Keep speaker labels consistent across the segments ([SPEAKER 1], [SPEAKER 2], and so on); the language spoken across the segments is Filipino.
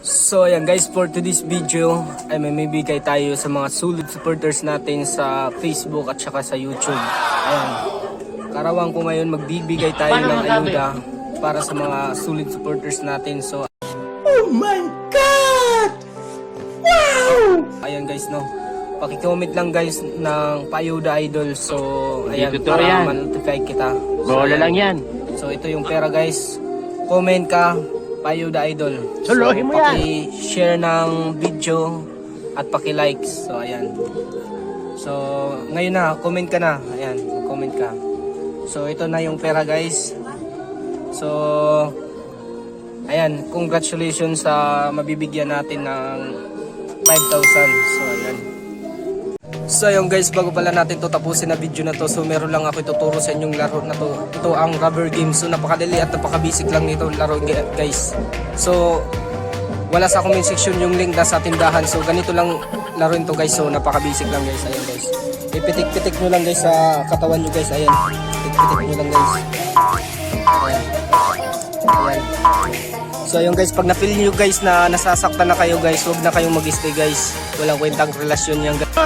[SPEAKER 1] So ayan guys, for today's video ay may bigay tayo sa mga solid supporters natin sa Facebook at saka sa YouTube. Ayan, karawang ko ngayon magbibigay tayo ng ayuda para sa mga solid supporters natin. So
[SPEAKER 2] oh my God! Wow!
[SPEAKER 1] ayan guys, no, paki-comment lang guys ng Paayuda Idol. So ayan,
[SPEAKER 3] Dito
[SPEAKER 1] para
[SPEAKER 3] yan.
[SPEAKER 1] ma-notify kita. So,
[SPEAKER 3] Bola
[SPEAKER 1] ayan.
[SPEAKER 3] lang yan.
[SPEAKER 1] So ito yung pera guys. Comment ka, Paayuda Idol.
[SPEAKER 3] Suluhin mo yan.
[SPEAKER 1] Paki-share ng video at paki-like. So ayan. So ngayon na, comment ka na. Ayan, comment ka. So ito na yung pera guys. So ayan, congratulations sa mabibigyan natin ng 5,000. So ayan. So ayun guys, bago pala natin to tapusin na video na to, so meron lang ako ituturo sa inyong laro na to. Ito ang rubber game. So napakadali at napakabasic lang nito laro guys. So wala sa comment section yung link na sa tindahan. So ganito lang laruin to guys. So napakabasic lang guys. Ayan guys. Ipitik-pitik nyo lang guys sa katawan nyo guys. Ayan. Pitik-pitik nyo lang guys. Ayan. Ayan. So ayun guys, pag na-feel nyo guys na nasasaktan na kayo guys, huwag na kayong mag-stay guys. Walang kwentang relasyon yan guys.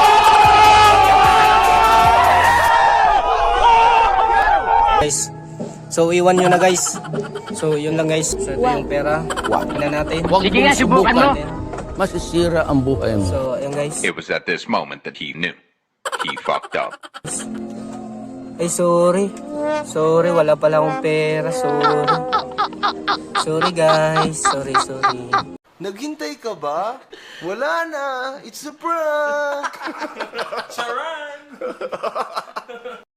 [SPEAKER 1] Guys, so iwan nyo na guys. So yun lang guys. So ito yung pera. Tingnan natin.
[SPEAKER 3] Sige nga, subukan mo.
[SPEAKER 2] Masisira ang buhay mo.
[SPEAKER 1] So ayun guys.
[SPEAKER 4] It was at this moment that he knew. He fucked up.
[SPEAKER 1] Ay sorry. Sorry, wala pala akong pera. Sorry. Sorry guys. Sorry.
[SPEAKER 5] Naghintay ka ba? Wala na. It's a prank. Charan!